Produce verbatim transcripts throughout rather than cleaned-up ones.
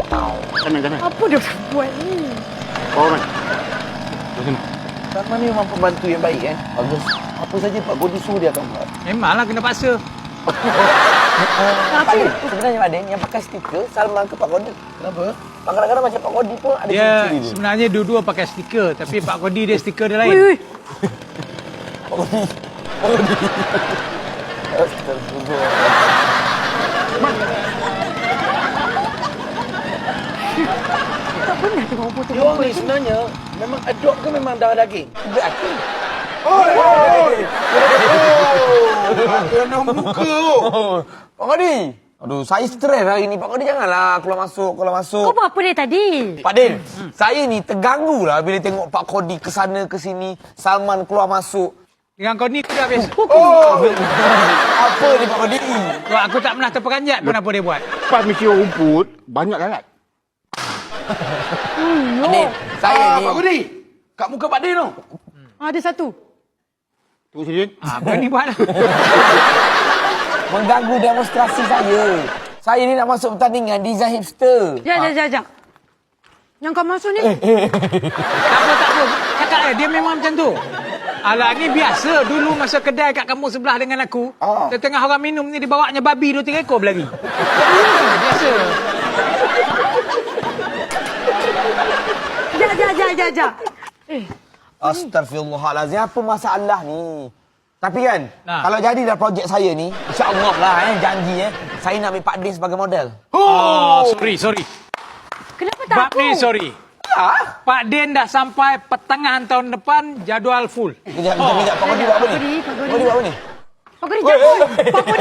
Kanan, kanan. Apa dia buat ni? Bawah man. Sini. Salman ni memang pembantu yang baik eh. Bagus. Apa saja Pak Godi suruh dia akan buat. Memanglah kena paksa. Pak Din, sebenarnya Pak Din yang pakai stiker Salman ke Pak Godi? Kenapa? Kadang-kadang macam Pak Godi pun ada Dia ciri-ciri dia. sebenarnya dua-dua pakai stiker. Tapi Pak Kodi dia stiker dia lain. Ui, ui. Pak Godi. Pak Godi. Astagfirullah. Tak pernah tengok foto Dia orang ni sebenarnya memang adopt ke memang darah daging? Dia aku. Oi, oi. Kena muka. Pak Godi. Aduh, saya stres hari ni. Pak Godi janganlah keluar masuk, keluar masuk. Kau buat apa dia tadi? Pak Din, hmm. saya ni terganggu lah bila tengok Pak Kodi ke sana ke sini, Salman keluar masuk. Dengan kau ni dah habis. Oh, apa ni Pak Kodi? Wah, aku tak pernah terperanjat pun apa dia buat. Pas mesyuar rumput, banyak lalat. Pak Din, saya Ah, ni... Pak Godi. Kat muka Pak Din tu. Ada satu. Tunggu sini. Ha, apa ni buat? mengganggu demonstrasi saya. Saya ni nak masuk pertandingan design hipster. Jap, jap, jap, jap. Yang kau masuk ni? Tak apa, tak apa. Cakap dia, dia memang macam tu. Alah, ni biasa. Dulu masa kedai kat kampung sebelah dengan aku, Ah. tengah orang minum ni, dibawanya babi dua tiga ekor berlari. Biasa. Jap, jap, jap, jap, jap. Eh, Astagfirullahalazim, apa masalah ni? Tapi kan, Nah. kalau jadi dah projek saya ni, insya-Allah lah eh, janji eh, saya nak ambil Pak Din sebagai model. Oh, sorry, sorry. kenapa tak Bab aku? ni, sorry. Ya? Pak Din dah sampai pertengahan tahun depan, jadual full. Kejap, kejap, kejap. Pak Godi buat apa ni? Pak Godi, Pak Godi. Pak Godi buat apa ni? Pak Godi, jangan. Pak Godi,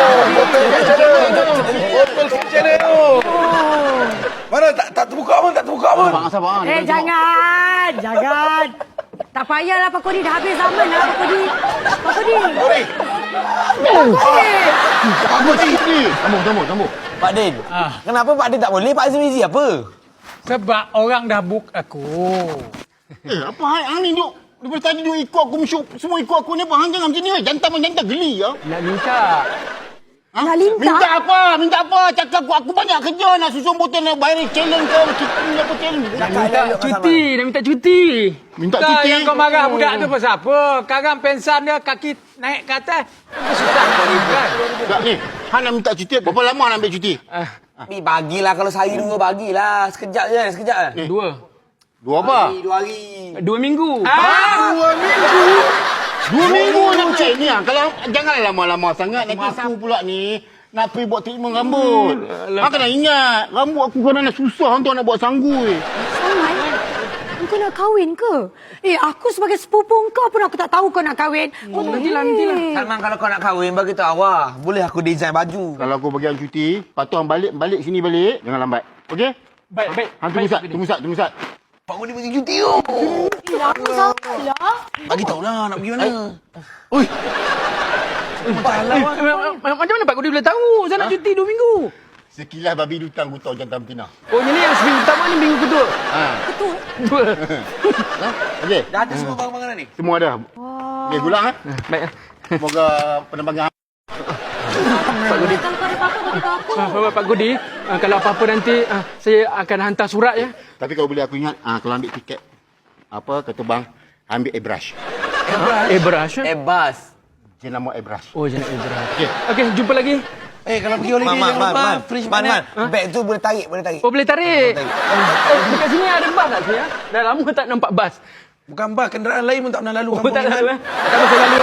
Botol kecil dia tu. Mana tak tak terbuka pun, tak terbuka pun. Abang, sabar. Eh, jangan. Jangan. Tak payahlah Pak Godi. Dah habis zaman lah Pak Godi. Pak Godi. Sorry. Pak Godi. Pak Godi ni. Sambung, sambung, sambung. Pak Din, Ah. kenapa Pak Din tak boleh? Pak Azmi Mizi apa? Sebab orang dah book aku. Eh, apa hal hang ni duk? Daripada tadi duk ikut aku mesyuk, semua ikut aku ni apa? Hang jangan macam ni weh. Jantan pun jantan geli ya. Nak minta. Ha? Nak minta? Minta apa? Minta apa? Cakap aku, aku banyak kerja nak susun botol nak bayar challenge ke, kita ni apa challenge. Minta cuti, nak minta cuti. Minta Kau cuti? yang kau marah budak tu pasal apa? Sekarang pensan dia kaki naik ke atas. Itu susah kau ni kan? Tak ni, hang nak minta cuti, berapa lama nak ambil cuti? Ah, Ni bagilah kalau saya dua bagilah. Sekejap je, sekejap je. dua. Dua apa? Dua hari. Dua minggu. Ah, dua minggu. Dua minggu nak cek ni ah. Kalau janganlah lama-lama sangat nanti aku pula ni nak pergi buat treatment rambut. Hang kena ingat, rambut aku kadang-kadang susah untuk nak buat sanggul. Salman, kau nak kahwin ke? Eh, aku sebagai sepupu kau pun aku tak tahu kau nak kahwin. Kau tak nantilah, nantilah. Salman, kalau kau nak kahwin, bagi tahu awak. Boleh aku design baju. Kalau aku bagi hang cuti, lepas tu hang balik balik sini balik, jangan lambat. Okey? Baik, baik. Hang tunggu sat, tunggu sat, tunggu sat. Pak Godi bagi cuti tu. Eh, aku salah. Bagi tahu lah nak pergi mana. Oi, Macam mana Pak Kodi boleh tahu? Saya nak cuti dua minggu. sekilas babi lutang aku tahu jantan betina. Oh, ini yang seminggu pertama ni minggu kedua. Ha. Dua. Okey. Dah ada semua barang-barang ni? Semua ada. Okey, gulang ah. Baik. Semoga penerbangan Pak Godi. Kalau kau ada apa-apa, kau beritahu aku. Ah, Pak Kodi, ah, kalau apa-apa nanti ah, saya akan hantar surat ya. Tapi kalau boleh aku ingat, ah, kalau ambil tiket, apa, kata bang, ambil airbrush. Eh, beras. eh? Ebas. Jenama airbrush. Oh, jangan airbrush. Okey. Okey, jumpa lagi. Eh, kalau pergi holiday Man, jangan man, lupa man, fridge man, mana. man. Beg tu boleh tarik, boleh tarik. Oh, boleh tarik. Boleh Eh, dekat sini ada bas tak sini ya? Dah lama tak nampak bas. Bukan bas, kenderaan lain pun tak pernah lalu Oh, tak ada. Tak ada lalu.